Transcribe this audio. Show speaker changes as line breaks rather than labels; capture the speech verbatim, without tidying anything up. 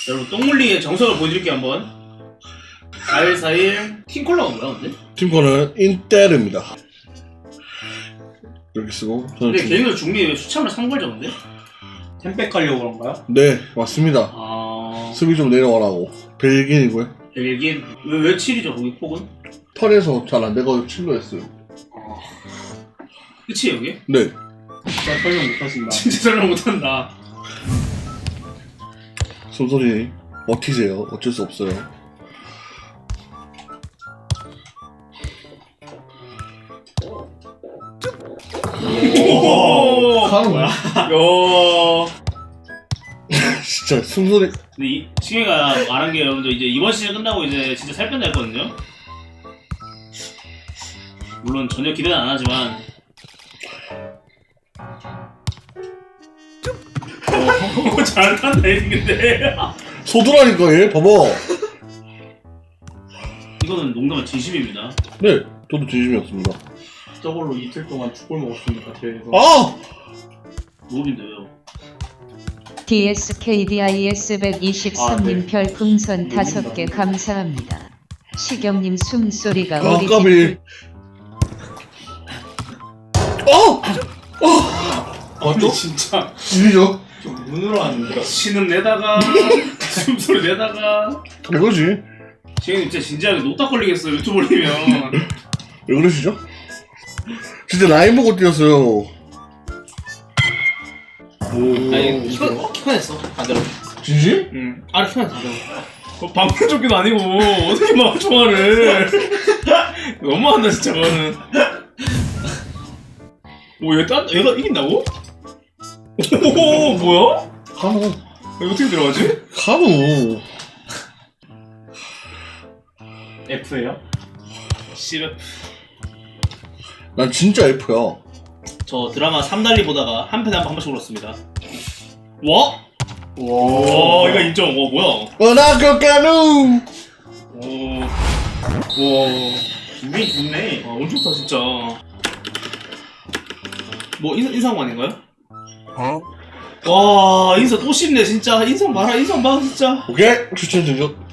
여러분 똥물리의 정석을 보여드릴게요 한번. 사일 사일 팀콜러가 뭐야 근데?
팀코는 인테르입니다. 이렇게 쓰고 저는
근데
중...
개인으로 중립에 왜 수참을 상벌 적은데?
템백 하려고 그런가요?
네 맞습니다.
아...
수비 좀 내려가라고. 벨기인이고요.
벨기에 왜, 왜 칠이죠 거기 폭은?
팔에서 잘 안돼가지고 칠로 했어요.
아... 끝이에요 이게?
네.
진짜 설명 못하신다.
진짜 설명 못한다.
숨소리 버티세요. 어쩔 수 없어요.
오오오오오
하는 거야?
야.
진짜 숨소리.
근데 이 승혜가 말한 게 여러분들 이제 이번 시즌 끝나고 이제 진짜 살 뺀다 했거든요. 물론 전혀 기대는 안 하지만. 어, 잘 탄다 했는데.
소두라니까 얘 봐봐.
이거는 농담은 진심입니다.
네 저도 진심이었습니다.
저걸로 이틀 동안 죽골 먹었습니다. 대회에서.
아!
무업인데 왜요?
디에스케이디아이에스 백이십삼 님
아, 네.
별풍선 다섯 개 감사합니다. 시경님 숨소리가
아
우리
까비. 어! 어!
아니 진짜
이리죠?
좀 눈으로 하는데.
신음 내다가 숨소리 내다가
이거지.
지금 진짜 진지하게 노딱 걸리겠어 유튜브 올리면.
왜 그러시죠? 진짜 라인 보고 뛰었어요. 오.
아니 키워 키워냈어 반대로.
진심?
응 아래 키워냈어 반대로. 어, 방송조끼도 아니고 어떻게 막 총알을. 너무한다 진짜 그거는. 오 얘 딴 얘가 이긴다고? 오 뭐야?
카누.
이거 어떻게 들어가지?
카누.
F예요?
씨발.
난 진짜 F야.
저 드라마 삼달리 보다가 한 편에 한 번씩 울었습니다. 와?
와.
와 이거 인정. 와 뭐야?
원아까 카누.
오. 와.
기분이 좋네.
아 엄청 좋다 진짜. 뭐 인, 인상 아닌가요?
어?
와 인사 또 씹네 진짜. 인상 봐라 인상 봐 진짜.
오케이 추천 전적.